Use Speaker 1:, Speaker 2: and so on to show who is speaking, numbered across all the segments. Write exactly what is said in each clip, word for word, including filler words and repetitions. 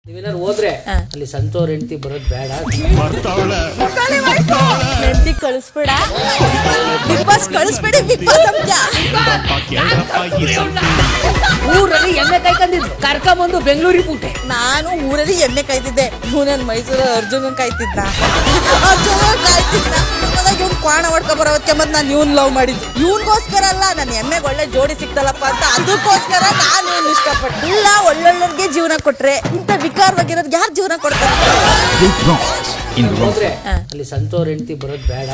Speaker 1: ನೀವೆಲ್ಲರೂ ಹೋದ್ರೆ ಅಲ್ಲಿ ಸಂತೋರ್ ಹೆಂಡತಿ ಬರೋದ್ ಬೇಡ.
Speaker 2: ಹೆಂಡತಿ ಕಳಿಸ್ಬೇಡ, ಬಿಗ್ ಬಾಸ್ ಕಳಿಸ್ಬೇಡಿ, ಬಿಗ್ ಬಾಸ್ ಅಂತ.
Speaker 1: ಊರಲ್ಲಿ ಎಮ್ಮೆ ಕಾಯ್ಕೊಂಡಿದ್ರು ಕರ್ಕೊಂಬಂದು ಬೆಂಗಳೂರಿಗೆ ಬಿಟ್ಟೆ.
Speaker 2: ನಾನು ಊರಲ್ಲಿ ಎಮ್ಮೆ ಕಾಯ್ತಿದ್ದೆ, ಇವನನ್ ಮೈಸೂರು ಅರ್ಜುನ್ ಕಾಯ್ತಿದ್ದ ಅರ್ಜುನ್ ಕಾಯ್ತಿದ್ದ ಅದಾಗ ಇವ್ನು ಕ್ವಾಣ ಹೊಡ್ಕೊ ಬರೋದಕ್ಕೆ ಮತ್ತೆ ನಾನು ಇವ್ನ್ ಲವ್ ಮಾಡಿದ್ದು. ಇವ್ನಿಗೋಸ್ಕರ ಅಲ್ಲ, ನನ್ನ ಎಮ್ಮೆಗೆ ಒಳ್ಳೆ ಜೋಡಿ ಸಿಕ್ತಲ್ಲಪ್ಪ ಅಂತ ಅದಕ್ಕೋಸ್ಕರ ನಾನು ಇವ್ನ ಇಷ್ಟಪಟ್ಟು. ಇಲ್ಲ, ಒಳ್ಳೊಳ್ಳೋರ್ಗೆ ಜೀವನ ಕೊಟ್ರೆ ಇಂಥ ವಿಕಾರವಾಗಿರೋದು ಯಾರು ಜೀವನ ಕೊಡ್ತಾರೆ?
Speaker 1: ಹೋದ್ರೆ ಅಲ್ಲಿ ಸಂತೋರ್ ಹೆಂಡತಿ ಬರೋದ್ ಬೇಡ.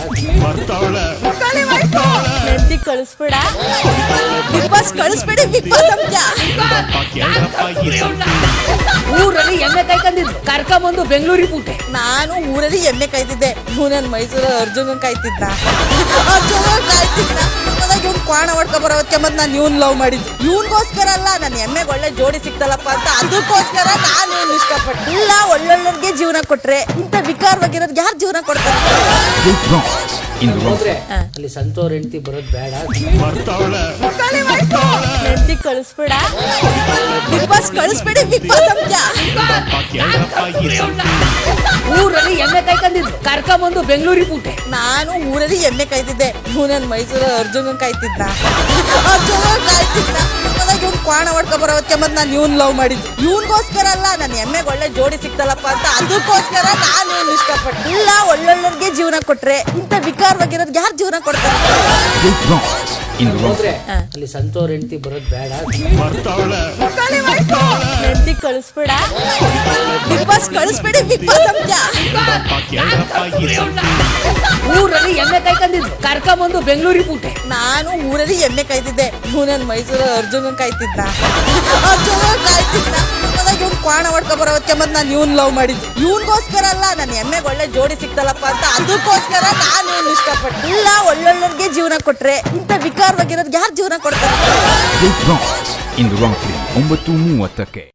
Speaker 2: ಹೆಂಡತಿ ಕಳಿಸ್ಬೇಡ, ಬಿಗ್ ಬಾಸ್ ಕಳಿಸ್ಬೇಡಿ, ಬಿಗ್ ಬಾಸ್ ಅಂತ.
Speaker 1: ಊರಲ್ಲಿ ಎಮ್ಮೆ ಕಾಯ್ಕೊಂಡಿದ್ರು ಕರ್ಕೊಂಬಂದು ಬೆಂಗಳೂರಿಗೆ ಬಿಟ್ಟೆ.
Speaker 2: ನಾನು ಊರಲ್ಲಿ ಎಮ್ಮೆ ಕಾಯ್ತಿದ್ದೆ, ಇವನನ್ ಮೈಸೂರು ಅರ್ಜುನ್ ಕಾಯ್ತಿದ್ದ ಅರ್ಜುನ್ ಕಾಯ್ತಿದ್ದ ಅದಾಗ ಇವ್ನು ಕ್ವಾಣ ಹೊಡ್ಕೊ ಬರೋದಕ್ಕೆ ಮತ್ತೆ ನಾನು ಇವ್ನ್ ಲವ್ ಮಾಡಿದ್ದು. ಇವ್ನಿಗೋಸ್ಕರ ಅಲ್ಲ, ನನ್ನ ಎಮ್ಮೆಗೆ ಒಳ್ಳೆ ಜೋಡಿ ಸಿಕ್ತಲ್ಲಪ್ಪ ಅಂತ ಅದಕ್ಕೋಸ್ಕರ ನಾನು ಇವ್ನ ಇಷ್ಟಪಟ್ಟು. ಇಲ್ಲ, ಒಳ್ಳೊಳ್ಳೋರ್ಗೆ ಜೀವನ ಕೊಟ್ರೆ ಇಂಥ ವಿಕಾರವಾಗಿರೋದು ಯಾರು ಜೀವನ ಕೊಡ್ತಾರೆ?
Speaker 1: ಹೋದ್ರೆ ಅಲ್ಲಿ ಸಂತೋರ್ ಹೆಂಡತಿ ಬರೋದ್ ಬೇಡ.
Speaker 2: ಹೆಂಡತಿ ಕಳಿಸ್ಬೇಡ, ಬಿಗ್ ಬಾಸ್ ಕಳಿಸ್ಬೇಡಿ, ಬಿಗ್ ಬಾಸ್ ಅಂತ.
Speaker 1: ಊರಲ್ಲಿ ಎಮ್ಮೆ ಕಾಯ್ಕೊಂಡಿದ್ರು ಕರ್ಕೊಂಬಂದು ಬೆಂಗಳೂರಿಗೆ ಬಿಟ್ಟೆ.
Speaker 2: ನಾನು ಊರಲ್ಲಿ ಎಮ್ಮೆ ಕಾಯ್ತಿದ್ದೆ, ಇವನನ್ ಮೈಸೂರು ಅರ್ಜುನ್ ಕಾಯ್ತಿದ್ದ ಅರ್ಜುನ್ ಕಾಯ್ತಿದ್ದ ಅದಾಗ ಇವ್ನು ಕ್ವಾಣ ಹೊಡ್ಕೊ ಬರೋದಕ್ಕೆ ಮತ್ತೆ ನಾನು ಇವ್ನ್ ಲವ್ ಮಾಡಿದ್ದು. ಇವ್ನಿಗೋಸ್ಕರ ಅಲ್ಲ, ನನ್ನ ಎಮ್ಮೆಗೆ ಒಳ್ಳೆ ಜೋಡಿ ಸಿಕ್ತಲ್ಲಪ್ಪ ಅಂತ ಅದಕ್ಕೋಸ್ಕರ ನಾನು ಇವ್ನ ಇಷ್ಟಪಟ್ಟು. ಇಲ್ಲ, ಒಳ್ಳೊಳ್ಳೋರ್ಗೆ ಜೀವನ ಕೊಟ್ರೆ ಇಂಥ ವಿಕಾರವಾಗಿರೋದು ಯಾರು ಜೀವನ ಕೊಡ್ತಾರೆ?
Speaker 1: ಹೋದ್ರೆ ಅಲ್ಲಿ ಸಂತೋರ್ ಹೆಂಡತಿ ಬರೋದ್ ಬೇಡ.
Speaker 2: ಹೆಂಡತಿ ಕಳಿಸ್ಬೇಡ, ಬಿಗ್ ಬಾಸ್ ಕಳಿಸ್ಬೇಡಿ, ಬಿಗ್ ಬಾಸ್ ಅಂತ.
Speaker 1: ಊರಲ್ಲಿ ಎಮ್ಮೆ ಕಾಯ್ಕೊಂಡಿದ್ರು ಕರ್ಕೊಂಬಂದು ಬೆಂಗಳೂರಿಗೆ ಬಿಟ್ಟೆ.
Speaker 2: ನಾನು ಊರಲ್ಲಿ ಎಮ್ಮೆ ಕಾಯ್ತಿದ್ದೆ, ಇವನನ್ ಮೈಸೂರು ಅರ್ಜುನ್ ಕಾಯ್ತಿದ್ದ ಅರ್ಜುನ್ ಕಾಯ್ತಿದ್ದ ಅದಾಗ ಇವ್ನು ಕ್ವಾಣ ಹೊಡ್ಕೊ ಬರೋದಕ್ಕೆ ಮತ್ತೆ ನಾನು ಇವ್ನ್ ಲವ್ ಮಾಡಿದ್ದು. ಇವ್ನಿಗೋಸ್ಕರ ಅಲ್ಲ, ನನ್ನ ಎಮ್ಮೆಗೆ ಒಳ್ಳೆ ಜೋಡಿ ಸಿಕ್ತಲ್ಲಪ್ಪ ಅಂತ ಅದಕ್ಕೋಸ್ಕರ ನಾನು ಇವ್ನ ಇಷ್ಟಪಟ್ಟು. ಇಲ್ಲ, ಒಳ್ಳೊಳ್ಳೋರ್ಗೆ ಜೀವನ ಕೊಟ್ರೆ ಇಂಥ ವಿಕಾರವಾಗಿರೋದು ಯಾರು ಜೀವನ ಕೊಡ್ತಾರೆ?
Speaker 3: ಒಂಬತ್ತು ಮೂವತ್ತಕ್ಕೆ